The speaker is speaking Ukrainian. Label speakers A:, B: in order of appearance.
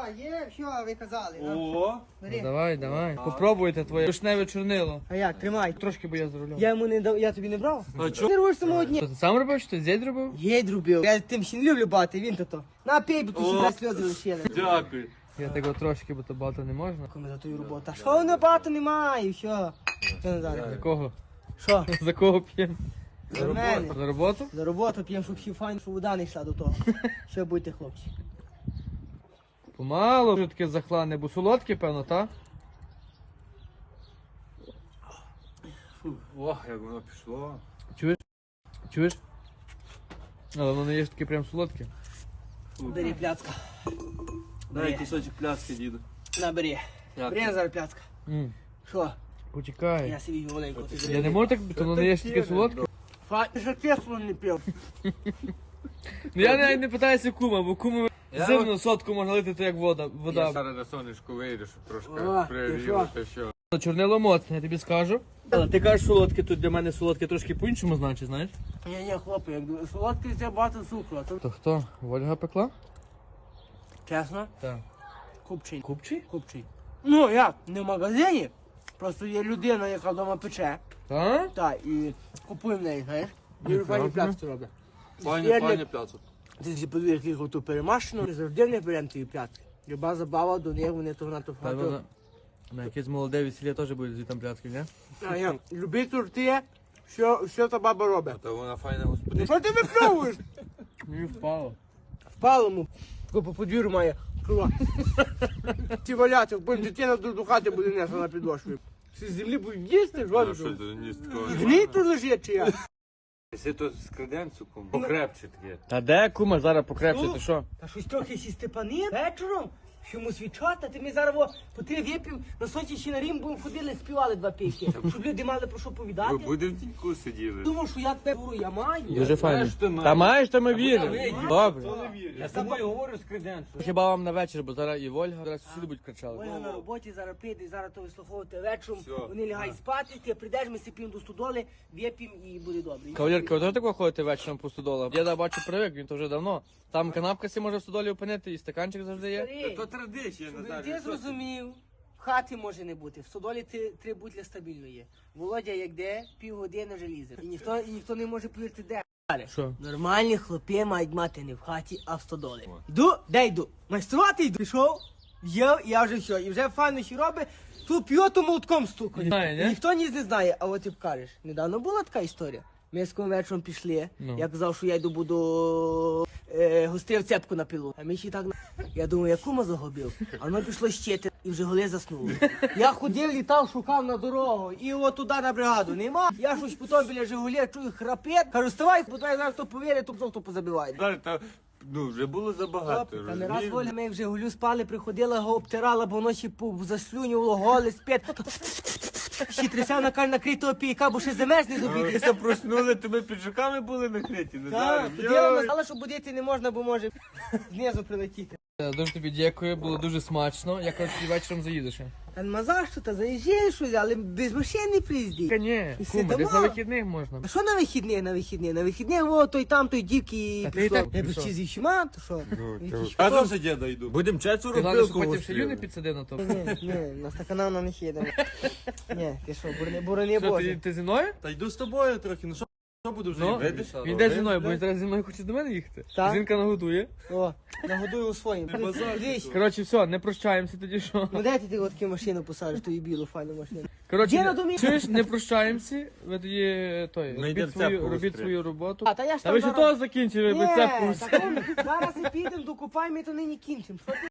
A: є, що ви казали.
B: О,
A: Бери.
C: Давай. Попробуйте твоє вишневе чорнило.
A: А як, тримай.
C: Трошки, бо я за рулем.
A: Я йому не дав, я тобі не брав?
B: а чо?
A: Ти робиш самого дня.
C: Що, ти сам робив, чи ти зять робив?
A: Єдь робив. Я тим ще не люблю бати, він то. На пей, бо тут
B: О.
A: ще сльози лишили.
B: Дякую.
C: Я такого трошки, бо то багато не можна.
A: Коли за твою роботу. А що воно багато немає, що? Що не
C: За
A: зараз?
C: кого?
A: Що?
C: За кого п'ємо?
A: За мене.
C: За роботу?
A: За роботу п'ємо, щоб всі файно, щоб вода не йшла до того. Що будете, хлопці?
C: Помалу, вже таке захлане, бо солодке, певно, та?
B: Ох, як воно пішло.
C: Чуєш? Але воно не є ж таке прям солодке.
A: Бери пляцка.
B: Дай кусочок пляски, діду.
A: Набери.
B: Дякую.
A: Бери зараз пляцка. Що?
C: Почекай.
A: Я собі маленько.
C: Я не можу так, то воно не є ж таке солодке.
A: Ти що кисло не пив?
C: Ну я навіть не питаюся кума, бо куму
B: Я
C: зимну сотку можна лити, то як вода.
B: Я зараз на сонечку вийду, щоб трошки
A: О, ти
B: пригріло,
A: що?
B: та що.
C: Чорнило моцне, я тобі скажу. Але ти кажеш солодке, тут для мене солодке трошки по-іншому значить, знаєш?
A: Ні, хлопці, як солодкий це багато цукру. А то
C: То хто? Вольга пекла?
A: чесно,
C: Так.
A: купчий.
C: Купчий?
A: Купчий. Ну як, не в магазині. Просто є людина, яка вдома пече.
C: Так?
A: Так, і купує в неї, знаєш. І файні пляцки робить.
B: Пані пляцок.
A: Ти ж подивись, як їх оту перемашено, ми завжди не беремо ті пляцки. Люба забава до них, вони то на то
C: Та вона на якесь молоде весілля теж буде звітом пляцки, не?
A: А я, люби торти, що та баба робить.
B: Та вона файна
A: Ну
B: господиня.
A: що ти випльовуєш?
C: Мені впало.
A: Впало йому, по подвір'ю має крова. Ці валяти, потім дитина до хати буде несла на підошві. Всі з землі будуть їсти,
B: А що
A: жодно.
B: ти ні з такого?
A: Гній тут лежить чи як?
B: Якщо то з креденцуком, покрепче таке.
C: Та де кума зараз покрепше, ти що?
A: Та щось трохи сі Степани вечором, що йому свічати, ти ми зараз по три вип'ємо, на сонці ще на Рим будемо ходили, співали два пісні, щоб люди мали про що повідати.
B: Ви будемо в тіньку сиділи.
A: Думав, що я тебе говорю, я маю.
C: Дуже файно.
B: Знаєш, ти маєш.
C: Та маєш, то ми віримо. Добре.
B: Я з тобою говорю з креденцуком.
C: Хіба вам на вечір, бо зараз і Вольга, зараз сусіди будуть кричали.
A: Ольга на роботі, зараз прийде, зараз то вислуховувати вечором,
B: Всьо.
A: вони лягають спати, ти прийдеш, ми сипім до стодоли, вип'ємо і буде добре.
C: Кавалерка, ви теж так ходите вечором по стодолах? Я бачу привик, він то вже давно. Там канапка сі може в стодолі опинити, і стаканчик завжди є.
A: Старий,
B: То традиція,
A: щоб
B: Назарій.
A: ти
B: що
A: зрозумів, в хаті може не бути, в стодолі три бутля стабільно є. Володя як де, півгодини вже лізе. І ніхто не може повірити де.
C: Що?
A: Нормальні хлопці мають мати не в хаті, а в стодолі. Йду, де йду? Майструвати йду. Пішов, в'їв, я вже все. І вже файно ще робить, тут п'єту молотком стукає.
C: Знає, ні?
A: Ніхто ніс не знає, а от ти кажеш, недавно була така історія. Ми з ким вечором пішли,
C: Ну.
A: я казав, що я йду буду гострив цепку на пілу. А ми ще так, я думаю, я кума загубив. А воно пішло щити і вже голи заснули. Я ходив, літав, шукав на дорогу і от туди на бригаду. Нема. Я щось потім біля Жигулі чую храпет. Кажу, вставай, бо я знаю, хто повірить, то хто позабиває.
B: Назарій, та, ну, вже було забагато,
A: Та не раз
B: розумієш?
A: Воля, ми в Жигулю спали, приходила, його обтирала, бо воно ще заслюнювало, голе, спить. Ще тряся на накритого пійка, бо ще замерзне до
B: Ми
A: біди.
B: се проснули, то ми піджаками були накриті,
A: Так,
B: Назарій.
A: поділа сказала, що будити не можна, бо може знизу прилетіти.
C: Дуже тобі дякую, було дуже смачно. Я кажу, ти вечором заїдеш.
A: Та нема за що, та заїжджаєш щось, але без машини приїзді.
C: Та ні,
A: І
C: кума,
A: сидимо.
C: десь на вихідних можна.
A: А що на вихідних? На вихідних, о, той там, той дівки
C: Та ти
A: пішло.
C: і так
A: Я
C: пішов.
A: без зі всіма, то що?
B: Разом за діда йду. Будемо
C: Ти
B: четверо
C: головне,
B: пилку
C: що потім ще
B: гострили.
C: юни підсади на то.
A: Ні, на стакана на них їдемо. Ні, ти що, борони
C: Що,
A: Боже.
C: ти зі мною?
B: Та йду з тобою трохи, ну що буду вже
C: Ну,
B: видиш?
C: він йде зі мною, бо він зараз зі мною хоче до мене їхати.
A: Так.
C: Жінка нагодує.
A: О, нагодую у своїм. Дивись,
C: Коротше, все, не прощаємося тоді, що.
A: ну де ти от таку машину посадиш, ту і білу файну машину.
C: Коротше,
A: Діна до мене.
C: чуєш, не прощаємося, ви тоді той,
B: Ми йдемо цепку
C: робіть
B: гострити.
C: свою роботу.
A: А, та я ж
C: Та ви
A: там
C: ще того закінчили, ви
A: Ні,
C: цепку.
A: так, зараз і підемо, докупаємо, і то нині кінчимо. Що ти